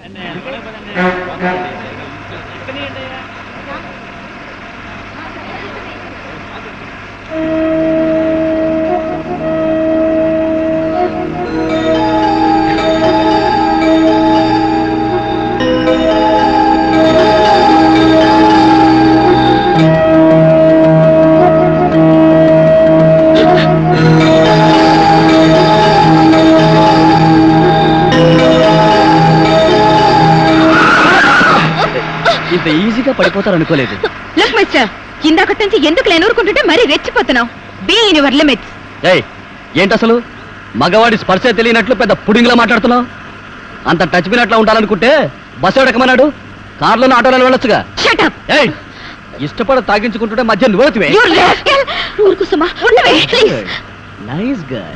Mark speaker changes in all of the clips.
Speaker 1: ఇంత ఈజీగా పడిపోతారు అనుకోలేదు.
Speaker 2: లుక్ మిస్టర్, ఇందాకటి నుంచి ఎందుకు లేనూరుకుంటుంటే మరీ రెచ్చిపోతున్నావు. Be in your limits.
Speaker 1: ఏయ్, ఏంటి అసలు మగవాడి స్పర్శే తెలియనట్లు పెద్ద పుడింగ్లా మాట్లాడుతున్నావు? అంత టచ్ పినట్లా ఉండాలనుకుంటే బస్సు ఎడకమన్నాడు, కార్లోనే ఆటోలో వెళ్ళొచ్చుగా.
Speaker 2: Shut up.
Speaker 1: ఏయ్, ఇష్టపడ తాగించుకుంటుంటే మధ్య నువ్వుతివే.
Speaker 2: You rascal. ఊరుకు సుమా, ఉండవే ప్లీజ్.
Speaker 1: Nice girl.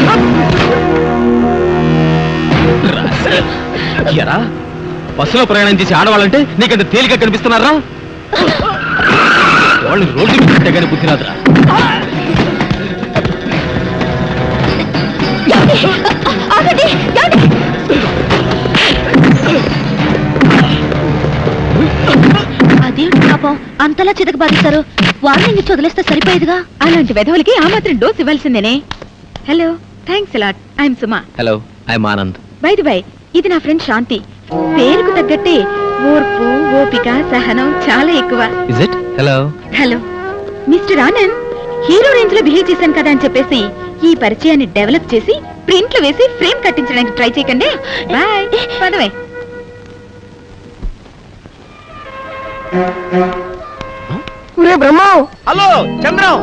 Speaker 1: ఎరా, బస్సులో ప్రయాణం చేసి ఆడవాళ్ళంటే నీకంత తేలిక కనిపిస్తున్నారా? వాళ్ళు రోడ్డు మీద పెట్టగానే బుద్ధి రాదురా.
Speaker 2: అదేంటి పాపం అంతలా చితక బాధిస్తారు? వార్నింగ్ ఇచ్చి వదిలేస్తే సరిపోయేదిగా. అలాంటి వెధవులకి ఆ మాత్రం డోస్ ఇవ్వాల్సిందేనే. Hello, thanks a lot. I'm Suma.
Speaker 1: Hello, I'm Anand.
Speaker 2: By the by, ఇది నా ఫ్రెండ్ శాంతి. పేరుకు తగ్గట్టే ఓర్పు, ఓపిక, సహనం చాలా ఎక్కువ.
Speaker 1: Is it? Hello.
Speaker 2: Hello mister Anand, hero range లో బిహేవ్ చేశాను కదా అని చెప్పేసి ఈ పరిచయాన్ని డెవలప్ చేసి ప్రింట్ లో వేసి ఫ్రేమ్ కట్టించడానికి ట్రై చేయకండి. బాయ్. పదవే.
Speaker 3: బ్రహ్మ.
Speaker 4: హలో చంద్రం.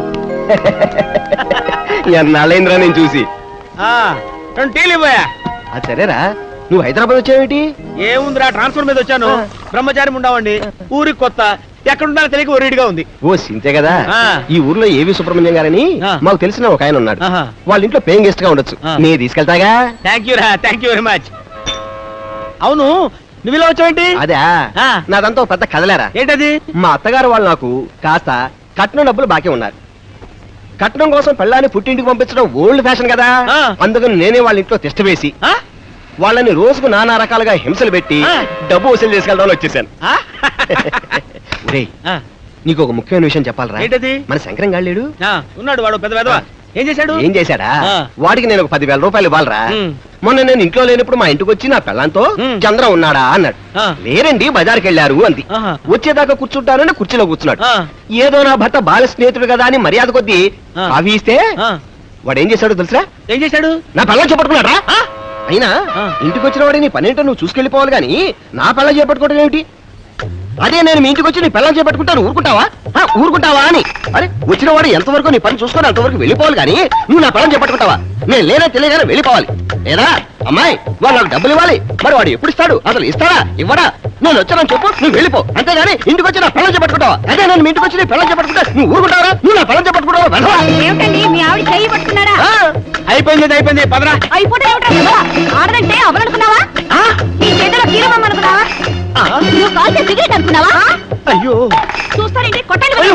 Speaker 3: నళేంద్ర నేను చూసి
Speaker 4: రెండు టీలు ఇవ్వయా.
Speaker 3: సరేరా, నువ్వు హైదరాబాద్ వచ్చావేంటి?
Speaker 4: ఏముందిరా, ట్రాన్స్ఫర్ మీద వచ్చాను. బ్రహ్మచారి ఉండవండి, ఊరికి కొత్త, ఎక్కడుండాలో తెలియక ఒరిడిగా ఉంది.
Speaker 3: ఓ సింతే కదా.
Speaker 4: ఆ.
Speaker 3: ఈ ఊర్లో ఏవి సుబ్రహ్మణ్యం గారని
Speaker 4: ఆ.
Speaker 3: మాకు తెలిసిన ఒక ఆయన ఉన్నాడు.
Speaker 4: ఆహా.
Speaker 3: వాళ్ళ ఇంట్లో పేయింగ్ గెస్ట్ గా ఉండొచ్చు.
Speaker 4: ఆ.
Speaker 3: నీ తీసుకెళ్తాగా.
Speaker 4: థ్యాంక్ యూ రా, థ్యాంక్ యూ వెరీ మచ్. అవును, నువ్వు ఇలా వచ్చావేంటి?
Speaker 3: అదే
Speaker 4: ఆ.
Speaker 3: నాదంతా ఒక పెద్ద కదలేరా.
Speaker 4: ఏంటది?
Speaker 3: మా అత్తగారు వాళ్ళు నాకు కాస్త కట్నం డబ్బులు బాకీ ఉన్నారు. కట్నం కోసం పెళ్ళాన్ని పుట్టింటికి పంపించడం ఓల్డ్ ఫ్యాషన్ కదా.
Speaker 4: ఆ.
Speaker 3: అందుకని నేనే వాళ్ళ ఇంట్లో టెస్ట్ వేసి
Speaker 4: ఆ?
Speaker 3: వాళ్ళని రోజుకు నానా రకాలుగా హింసలు పెట్టి
Speaker 4: ఆ.
Speaker 3: డబ్బు వసూలు చేసుకెళ్దామని వచ్చేసాను.
Speaker 4: ఆ?
Speaker 3: ఒరేయ్,
Speaker 4: ఆ.
Speaker 3: నీకు ఒక ముఖ్యమైన విషయం చెప్పాలరా.
Speaker 4: ఏంటది?
Speaker 3: మన శంకరం గాళ్ళేడు
Speaker 4: ఆ, ఉన్నాడు వాడు పెద్ద పెద్దవా. ఏం చేశాడు?
Speaker 3: ఏం చేశాడా?
Speaker 4: ఆ.
Speaker 3: వాడికి నేను ఒక 10,000 రూపాయలు ఇవ్వాలరా.
Speaker 4: ఉమ్.
Speaker 3: మొన్న నేను ఇంట్లో లేనప్పుడు మా ఇంటికి వచ్చి నా పెళ్ళంతో
Speaker 4: ఉమ్.
Speaker 3: చంద్రం ఉన్నాడా అన్నాడు.
Speaker 4: ఆ.
Speaker 3: లేరండి, బజార్కి వెళ్ళారు అంది.
Speaker 4: ఆహా.
Speaker 3: వచ్చేదాకా కూర్చుంటానని కుర్చీలో కూర్చున్నాడు.
Speaker 4: ఆ.
Speaker 3: ఏదో నా భర్త బాల స్నేహితుడు కదా అని మర్యాద కొద్దీ
Speaker 4: ఆ.
Speaker 3: కాఫీ ఇస్తే
Speaker 4: ఆ.
Speaker 3: వాడు ఏం చేశాడో తెలుసా?
Speaker 4: ఏం చేశాడు?
Speaker 3: నా పెళ్ళం చేపట్టుకున్నాడా.
Speaker 4: ఆ?
Speaker 3: అయినా
Speaker 4: ఆ.
Speaker 3: ఇంటికి వచ్చిన వాడి నీ పనేంటో నువ్వు చూసుకెళ్ళిపోవాలి గాని నా పెళ్ళం చేపట్టుకోవడం ఏమిటి? అదే నేను మీ ఇంటికి వచ్చి నీ పెళ్ళం చేపట్టుకుంటాను, ఊరుకుంటావా? ఊరుకుంటావా అని. అరే, వచ్చిన వాడు ఎంతవరకు నీ పని చూసుకొని అంతవరకు వెళ్ళిపోవాలి గాని నువ్వు నా పెళ్ళం చేపట్టుకుంటావా? నేను లేనా తెలియగానే వెళ్ళిపోవాలి. లేదా అమ్మాయి, వాడు నాకు డబ్బులు ఇవ్వాలి. మరి వాడు ఎప్పుడు ఇస్తాడు? అసలు ఇస్తాడా ఇవ్వడా? నేను వచ్చానని చెప్పు, నువ్వు వెళ్ళిపో. అంతేగాని ఇంటికి వచ్చి నా పెళ్ళం చేపట్టుకుంటావా? అదే నేను మీ ఇంటికి వచ్చి నీ పెళ్ళం చేపట్టుకుంటా నువ్వు ఊరుకుంటావా? నువ్వు నా పెళ్ళం చేపట్టుకుంటావా?
Speaker 2: ఏమిటండి మీ ఆవిడ చెయ్యి పట్టుకున్నారా?
Speaker 4: అయిపోయింది అయిపోయింది, పదరా.
Speaker 2: అయిపోతే ఏమిటా? ఆడదంటే అవనుకున్నావా? నీ చేతిలో కీరమమ్మ అనుకున్నావా? నువ్వు కాల్చే సిగరెట్ అనుకున్నావా?
Speaker 4: అయ్యో,
Speaker 2: చూస్తారండి, కొట్టండి.
Speaker 4: అయ్యో,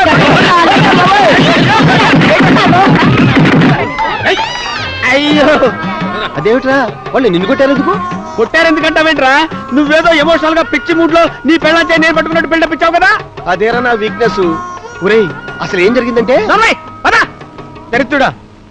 Speaker 4: అయ్యో.
Speaker 3: అదేమిట్రా, వాళ్ళు నిన్ను కొట్టారు ఎందుకు?
Speaker 4: కొట్టారెందుకంటావేంట్రా? నువ్వేదో ఎమోషనల్ గా పిచ్చి మూడ్ లో నీ పెళ్ళంచే నేను పట్టుకున్నట్టు బిల్డప్ ఇచ్చావు కదా.
Speaker 3: అదేరా నా వీక్నెస్. ఒరేయ్, అసలు ఏం జరిగిందంటే
Speaker 4: దరిద్రుడా.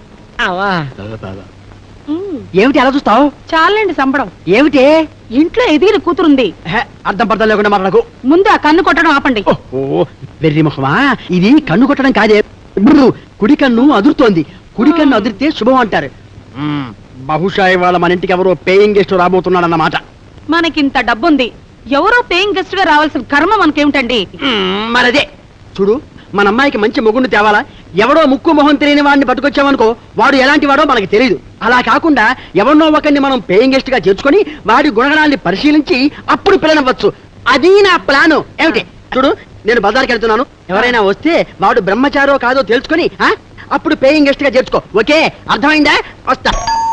Speaker 1: ఏమిటి అలా చూస్తావు?
Speaker 5: చాలండి సంబడం.
Speaker 1: ఏమిటి?
Speaker 5: ఇంట్లో ఎదిగిన కూతురుంది.
Speaker 1: అర్థం పర్థం లేకుండా మాట్లాడకు.
Speaker 5: ముందు ఆ కన్ను కొట్టడం ఆపండి.
Speaker 1: వెర్రి ముఖమా, ఇది కన్ను కొట్టడం కాదే. కుడి కన్ను అదురుతోంది. కుడి కన్ను అదిరితే శుభం అంటారు. బహుశా ఇవాళ మన ఇంటికి ఎవరో పేయింగ్ గెస్ట్ రాబోతున్నాడన్నమాట.
Speaker 5: మనకింత డబ్బుంది, ఎవరో పేయింగ్ గెస్ట్ గా రావాల్సిన కర్మ మనకేమిటండి?
Speaker 1: మరదే చూడు, మన అమ్మాయికి మంచి మొగుడిని తేవాలా? ఎవడో ముక్కు మొహం తెలియని వాడిని పట్టుకొచ్చామనుకో, వాడు ఎలాంటి వాడో మనకి తెలియదు. అలా కాకుండా ఎవరినో ఒకరిని మనం పేయింగ్ గెస్ట్ గా చేర్చుకొని వాడి గుణగణాన్ని పరిశీలించి అప్పుడు పిల్లనవ్వచ్చు. అది నా ప్లాను. ఏమిటి? చూడు, నేను బజార్కి వెళ్తున్నాను. ఎవరైనా వస్తే వాడు బ్రహ్మచారో కాదో తెలుసుకొని అప్పుడు పేయింగ్ గెస్ట్ గా చేర్చుకో. ఓకే, అర్థమైందా? వస్తా.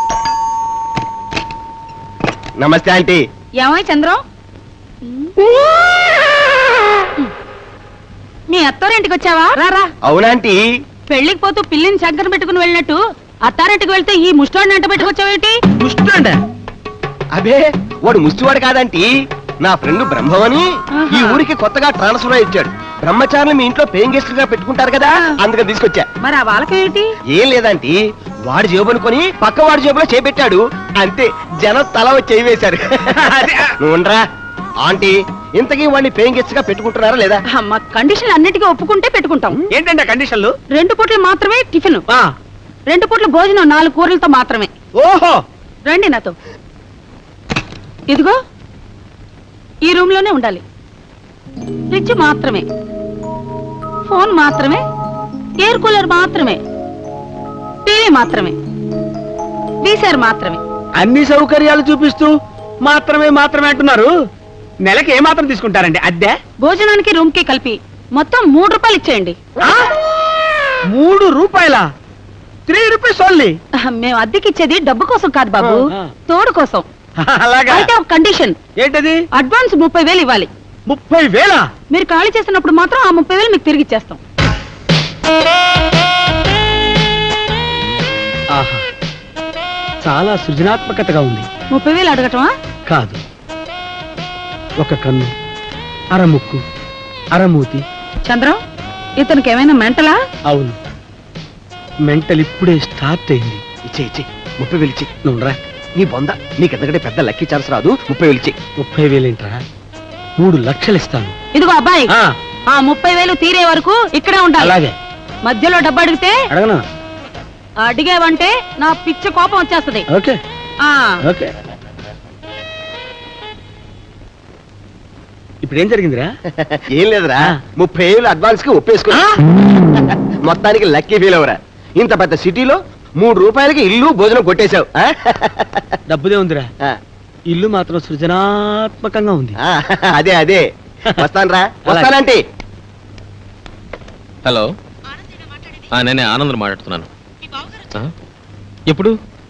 Speaker 3: నమస్తే ఆంటీ.
Speaker 5: ఏమై చంద్రం, మీ అత్తారింటికి వచ్చావా? రారా.
Speaker 3: అవునాంటీ.
Speaker 5: పెళ్లికి పోతూ పిల్లిని చక్కర పెట్టుకుని వెళ్ళినట్టు అత్తారింటికి వెళ్తే ఈ ముష్టోడిని ఎంట పెట్టుకొచ్చావేంటి?
Speaker 3: దుష్టండ అబే వాడు ముష్టివాడు కాదంటీ, నా ఫ్రెండ్ బ్రహ్మవని ఈ ఊరికి కొత్తగా ట్రాన్స్ఫర్ అయి వచ్చాడు. బ్రహ్మచారులు మీ ఇంట్లో పేయింగ్ గెస్ట్ గా పెట్టుకుంటారు కదా, అందుకని తీసుకొచ్చా.
Speaker 5: మరి ఆ వాళ్ళకేంటి?
Speaker 3: ఏం లేదంటీ, వాడి జేబు అనుకొని పక్క వాడి జేబులో చేపెట్టాడు అంతే. జనం తల వచ్చి చేయి వేశారు. నువ్వు ఉండరా ఆంటీ, ఇంతకీ వాడిని పేయింగ్ గెస్ట్ గా పెట్టుకుంటున్నారా లేదా?
Speaker 5: మా కండిషన్ అన్నిటికీ ఒప్పుకుంటే పెట్టుకుంటాం.
Speaker 4: ఏంటంటే కండిషన్లు?
Speaker 5: 2 పూటలు మాత్రమే టిఫిన్,
Speaker 4: ఆ,
Speaker 5: 2 పూట్ల భోజనం 4 కూరలతో మాత్రమే.
Speaker 4: ఓహో,
Speaker 5: రండి నాతో. ఇదిగో ఈ రూమ్ లోనే ఉండాలి. ఫ్రిడ్జ్ మాత్రమే, ఫోన్ మాత్రమే, ఎయిర్ కూలర్ మాత్రమే, టీవీ మాత్రమే, వీసర్ మాత్రమే.
Speaker 4: అన్ని సౌకర్యాలు చూపిస్తూ మాత్రమే మాత్రమే అంటున్నారు. నెలకి ఏ మాత్రం తీసుకుంటారండి అద్దె?
Speaker 5: భోజనానికి రూమ్ కి కలిపి మొత్తం 3 రూపాయలు ఇచ్చేయండి.
Speaker 4: 3 రూపాయలా? 3 రూపీస్ ఓన్లీ?
Speaker 5: మేము అద్దెకి ఇచ్చేది డబ్బు కోసం కాదు బాబు,
Speaker 4: ఆ.
Speaker 5: తోడు కోసం.
Speaker 4: అలాగా?
Speaker 5: అయితే ఒక కండిషన్,
Speaker 4: ఏంటది?
Speaker 5: అడ్వాన్స్ 30,000 ఇవ్వాలి.
Speaker 4: 30,000?
Speaker 5: మీరు ఖాళీ చేసినప్పుడు మాత్రం ఆ 30,000 మీకు తిరిగి ఇచ్చేస్తాం.
Speaker 1: ఆహా, చాలా సృజనాత్మకతగా ఉంది.
Speaker 5: 30,000 అడగటమా?
Speaker 1: కాదు, ఒక కన్ను, అరముక్కు, అరమూతి.
Speaker 5: చంద్రం, ఇతనికి ఏమైనా మెంటలా?
Speaker 1: అవును, మెంటల్ ఇప్పుడే స్టార్ట్ అయింది.
Speaker 3: ఇచ్చే 30,000 ఇచ్చి.
Speaker 1: నువ్వురా,
Speaker 3: నీ బొంద, నీకెంతకంటే పెద్ద లక్కీ ఛాన్స్ రాదు. 30,000 ఇచ్చి.
Speaker 1: 30,000 ఏంట్రా, 3 లక్షలు ఇస్తాను.
Speaker 5: ఇదిగో అబ్బాయి,
Speaker 1: ఆ,
Speaker 5: ఆ 30,000 తీరే వరకు ఇక్కడే ఉండాలి.
Speaker 1: అలాగే.
Speaker 5: మధ్యలో డబ్బు అడిగితే
Speaker 1: అడగనా?
Speaker 5: అడిగావంటే నా పిచ్చ కోపం వచ్చేస్తది.
Speaker 1: ఓకే
Speaker 5: ఆ
Speaker 1: ఓకే. ఇప్పుడు ఏం జరిగిందిరా?
Speaker 3: ఏం లేదురా, 30,000 అడ్వాన్స్ కి ఒప్పేసుకున్నా. మొత్తానికి లక్కీ ఫీల్ అవరా. ఇంత పెద్ద సిటీలో 3 రూపాయలకి ఇల్లు భోజనం కొట్టేశావు.
Speaker 1: డబ్బుదే ఉందిరా, ఇల్లు మాత్రం సృజనాత్మకంగా ఉంది.
Speaker 3: అదే వస్తానరా, వస్తానంటే.
Speaker 6: హలో, నేనే ఆనంద్ మాట్లాడుతున్నాను. ఆ? ఎప్పుడు?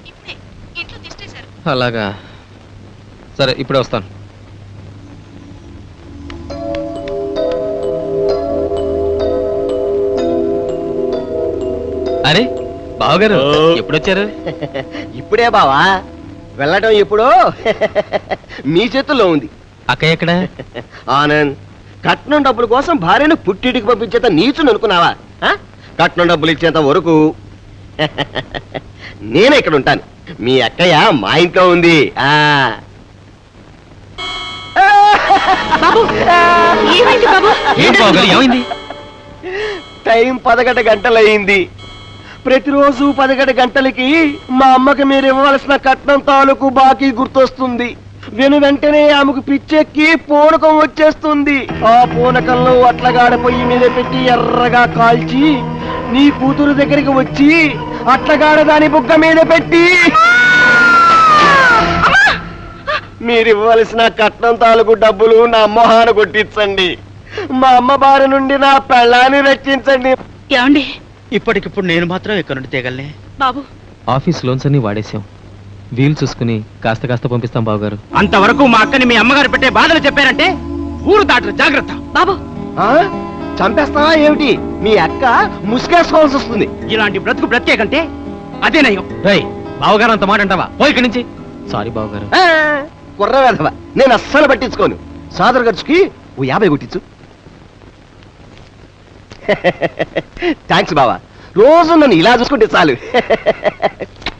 Speaker 6: అలాగా, సరే ఇప్పుడే వస్తాను. అరే బావగారు, ఎప్పుడొచ్చారు?
Speaker 3: ఇప్పుడే బావా, వెళ్ళటం ఎప్పుడో మీ చేతుల్లో ఉంది.
Speaker 6: అక్కయ్య ఎక్కడ?
Speaker 3: ఆనంద్, కట్నం డబ్బుల కోసం భార్యను పుట్టింటికి పంపించేంత నీచుని అనుకున్నావా? కట్నం డబ్బులు ఇచ్చేంత వరకు నేనే ఇక్కడ ఉంటాను. మీ అక్కయ్య మా ఇంట్లో ఉంది.
Speaker 5: బాబు, ఏమైంది బాబు?
Speaker 6: ఏంటి బావగారు, ఏమైంది?
Speaker 3: టైం 11 గంటలయ్యింది. ప్రతిరోజు 11 గంటలకి మా అమ్మకి మీరు ఇవ్వవలసిన కట్నం తాలూకు బాకీ గుర్తొస్తుంది. వెంటనే ఆమెకు పిచ్చెక్కి పూనకం వచ్చేస్తుంది. ఆ పూనకంలో అట్లగాడ పొయ్యి మీద పెట్టి ఎర్రగా కాల్చి నీ కూతురు దగ్గరికి వచ్చి అట్లగాడ దాని బుగ్గ మీద పెట్టి మీరు ఇవ్వవలసిన కట్నం తాలూకు డబ్బులు నా మొహాన కొట్టించండి. మా అమ్మ బారి నుండి నా పెళ్ళాన్ని రక్షించండి.
Speaker 5: ఏమండి?
Speaker 4: ఇప్పటికిప్పుడు నేను మాత్రం ఇక్కడ నుండి తేగలనే.
Speaker 5: బాబు,
Speaker 6: ఆఫీస్ లోన్స్ అన్ని వాడేసాం. వీలు చూసుకుని కాస్త పంపిస్తాం బావగారు.
Speaker 4: అంతవరకు మా అక్కని మీ అమ్మగారు పెట్టే బాధలు చెప్పారంటే ఊరు దాటరు, జాగ్రత్త.
Speaker 5: బాబు,
Speaker 3: చంపేస్తావా ఏమిటి? మీ అక్క ముసుగేసుకోవాల్సి వస్తుంది.
Speaker 4: ఇలాంటి బ్రతుకు బ్రతికే కంటే అదే నయం.
Speaker 6: రేయ్, బావగారు అంత మాట అంటావా? పో ఇక్కడి నుంచి. సారీ బావగారు.
Speaker 3: కుర్ర వేధవా, నేను అస్సలు పట్టించుకోను. సాదర్ ఖర్చుకి ఓ 50 కొట్టించు. థ్యాంక్స్ బావా, రోజు నన్ను ఇలా చూసుకుంటే చాలు.